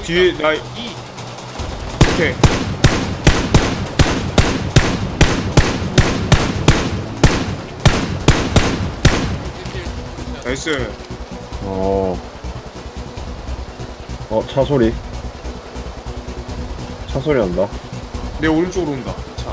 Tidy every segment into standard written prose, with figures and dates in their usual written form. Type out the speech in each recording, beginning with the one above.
뒤에 나 오케이. 나이스. 차 소리. 차 소리 난다. 내 오른쪽으로 온다. 차.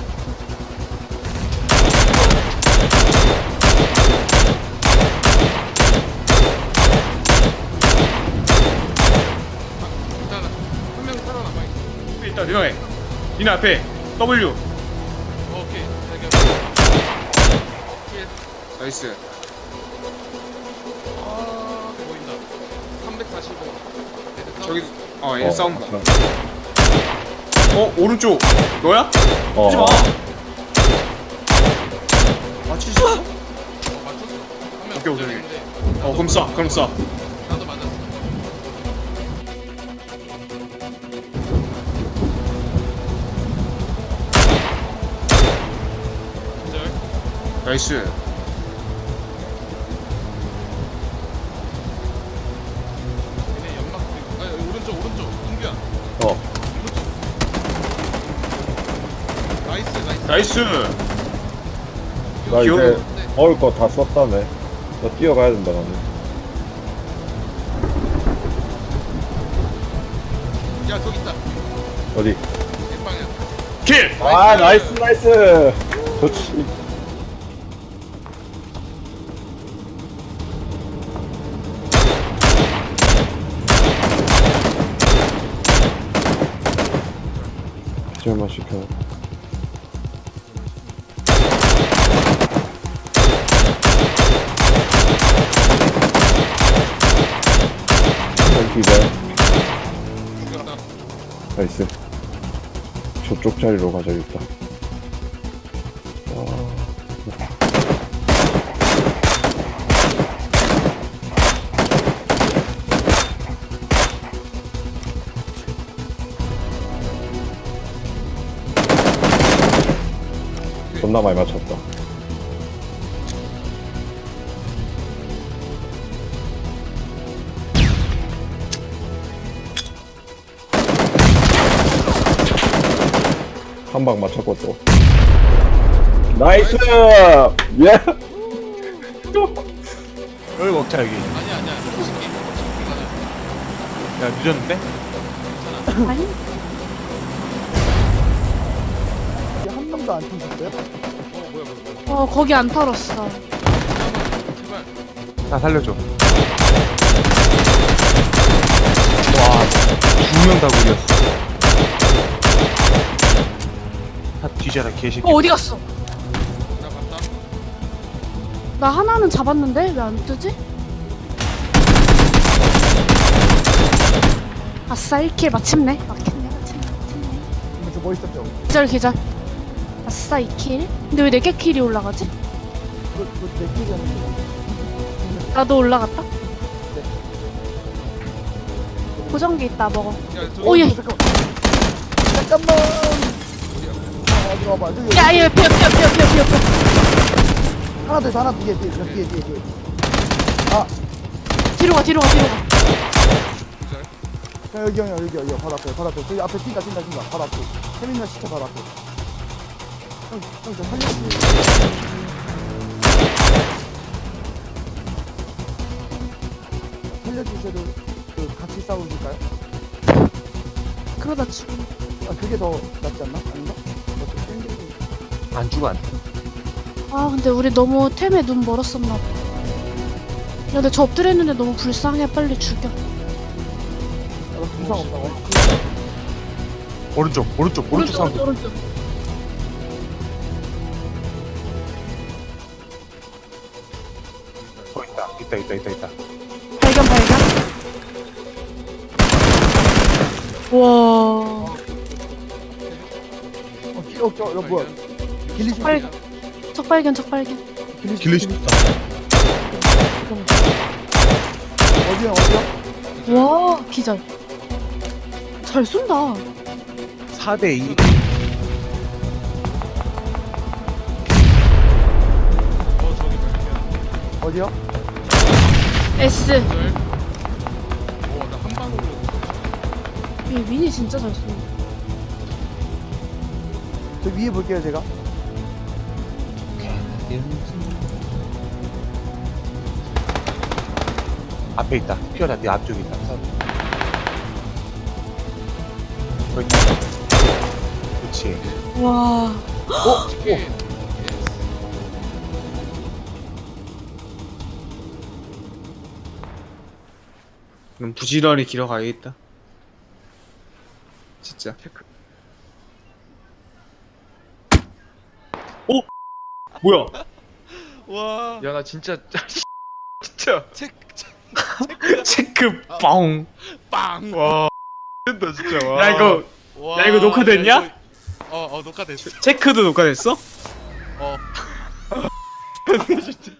일단 한 명 살아남아 있어. 일단 내려해. 니네 앞에 W. 오케이. 나이스. 아 보인다. 345. 저기 얘 싸운다. 아, 오른쪽 너야? 하지 마. 맞추셨어? 맞췄어. 한명 오케이, 오케이. 그럼 쏴. 나도 맞았어. 기절. 나이스. 얘네 연막 그리고 오른쪽 인규야. 나이스. 나이스. 나 이제 귀여워. 먹을 거 다 썼다네. 나 뛰어가야 된다, 나는. 야 저기 있다. 어디? 내 방향. 킬. 아, 나이스! 좋지. 기절만 시켜. 기절. 죽였다. 나이스. 저쪽 자리로 가자겠다. 존나 많이 맞췄다. 한 방 맞췄고 또. 나이스! 예! 여기 먹자 여기. 아니야. 쉽게 가자. 야 늦었는데? 아니? 한 명도 안 튕겼어요? 뭐야. 거기 안 털었어. 제발. 나 살려줘. 와, 2명 다 구렸어. 다 뒤져라 개새끼. 어디 갔어? 나 봤다. 나 하나는 잡았는데 왜 안 뜨지? 아싸 1킬 마침내. 마침내. 저 멋있었죠? 기절. 아싸 2킬. 근데 왜 4개 킬이 올라가지? 그내 끼리는 나도 올라갔다. 보정기 있다 먹어. 야 저기. 오 얘. 잠깐만. 어디 와봐. 저기 야얘 피어. 하나 더 있어. 하나 뒤에. 아, 뒤로 가. 기절. 야, 여기 바로 앞에. 저기 앞에 뛴다. 바로 앞에. 세민이가 시켜 바로 앞에. 형, 저 살려주셔도 같이 싸우실까요? 그러다 죽음. 아, 그게 더 낫지 않나? 아닌가? 안 죽어 안. 아 근데 우리 너무 템에 눈 멀었었나 봐. 야 근데 저 엎드렸는데 너무 불쌍해. 빨리 죽여. 부상 없다고? 오른쪽 사운드. 오른쪽. 있다. 발견. 와. 뭐야? 길리시 적발견. 길리시 있다. 어디야? 와 기절. 잘 쏜다. 4대2. 저기 발견. 어디야? S. 기절. 나한 방으로. 얘 미니 진짜 잘 쏘. 저 위에 볼게요 제가. 앞에 있다. 피어라, 네 앞쪽에 있다. 거기 있다. 그렇지. 와. 치킨. 그럼 부지런히 길어 가야겠다. 진짜. 오! 뭐야? 와. 야 나 진짜 진짜 체크 뻥. 빵. 와 된다 진짜 와. 야 이거 와. 야, 이거 녹화됐냐? 야, 이거- 녹화됐어. 체크도 녹화됐어? 어. 진짜